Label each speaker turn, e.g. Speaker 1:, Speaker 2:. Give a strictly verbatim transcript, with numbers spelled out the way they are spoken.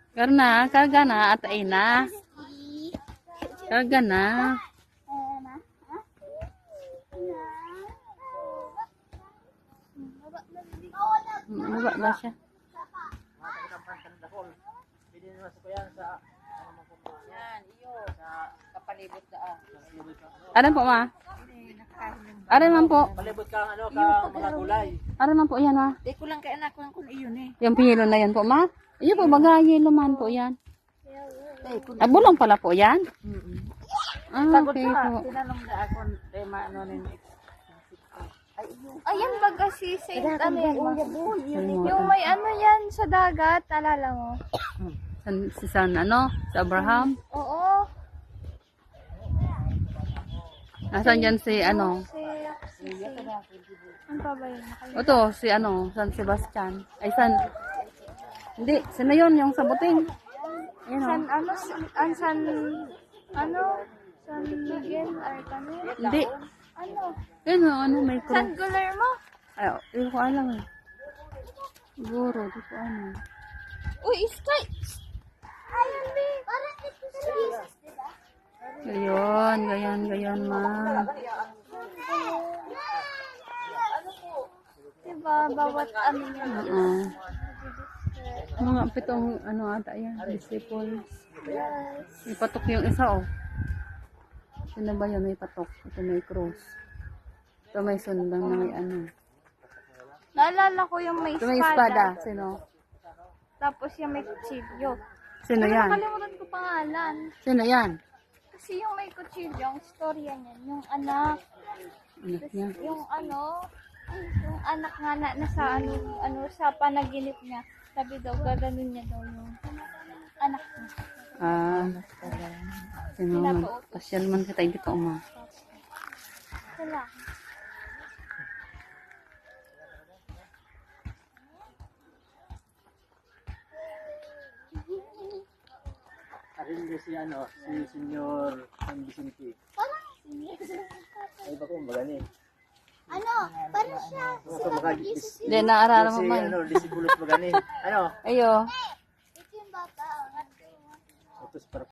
Speaker 1: Karena, karga na at ay na. Karga na. Baba ba siya?
Speaker 2: Yan, iyo. Sa kapalibot daan.
Speaker 1: Aran po ma? Aran man po.
Speaker 3: Palibot ka ano ka mga gulay.
Speaker 1: Aran man po yan ma.
Speaker 2: Di ko lang kay anak ko kung iyon eh.
Speaker 1: Yung pihilo na yan po ma. Iyo po baga yelo man po yan. Ah, bulong pala po yan. Ah,
Speaker 2: Pagod
Speaker 1: okay
Speaker 2: ka.
Speaker 1: po.
Speaker 2: Tinanong na ako. Eh, maano rin. Ay, iyo.
Speaker 4: Ayan baga si Saint ano yan.
Speaker 1: Yung
Speaker 4: Yung may ano yan sa dagat, alala mo?
Speaker 1: San, si San ano? Si Abraham?
Speaker 4: Oo.
Speaker 1: Nasaan dyan si ano?
Speaker 4: Si, si, si. Ano pa ba yun? Nakalimutan.
Speaker 1: Ito, si ano? San Sebastian. Ay, San... Hindi, sino yun? Yung sa buting. Ayun
Speaker 4: San
Speaker 1: o.
Speaker 4: ano? San, an, san, ano? San Miguel Arcangel?
Speaker 1: Hindi.
Speaker 4: Ano?
Speaker 1: Ayun o, ano, may
Speaker 4: San
Speaker 1: cross.
Speaker 4: Guillermo?
Speaker 1: Ay, hindi ko alam eh. Siguro, di ko ano.
Speaker 4: Uy, Sky! Ayun, be! Parang ito si Jesus, diba?
Speaker 1: Gayon, gayon, gayon, ma.
Speaker 4: Diba, bawat ano yan.
Speaker 1: Oo. Mga pitong, ano ata yan, disciples.
Speaker 4: Yes.
Speaker 1: May patok yung isa, oh. Sino ba yun? May patok. Ito may cross. Ito may sundang na may ano.
Speaker 4: Naalala ko yung may
Speaker 1: Ito may espada.
Speaker 4: espada.
Speaker 1: Sino?
Speaker 4: Tapos yung may kutsilyo.
Speaker 1: Sino
Speaker 4: Pero
Speaker 1: yan?
Speaker 4: nakalimutan ko pangalan.
Speaker 1: Sino yan?
Speaker 4: Kasi yung may kutsilyo, ang storya niyan, yung anak,
Speaker 1: Anak niya.
Speaker 4: yung ano, yung anak nga na, nasa ano, ano, sa panaginip niya, sabi daw, gaganon niya daw yung anak niya.
Speaker 1: Ah. Sino man? Pasyal man kita dito, uma.
Speaker 4: Sila.
Speaker 3: Arin din si ano, si Senyor San Vicente. Ay ba ko magani.
Speaker 4: Ano, para siya,
Speaker 3: Ano ka magani?
Speaker 1: Hindi, naarara mo
Speaker 3: Si
Speaker 1: man.
Speaker 3: ano, disipulos magani. Ano?
Speaker 1: Ayo.
Speaker 4: ito yung bata.
Speaker 3: Utos para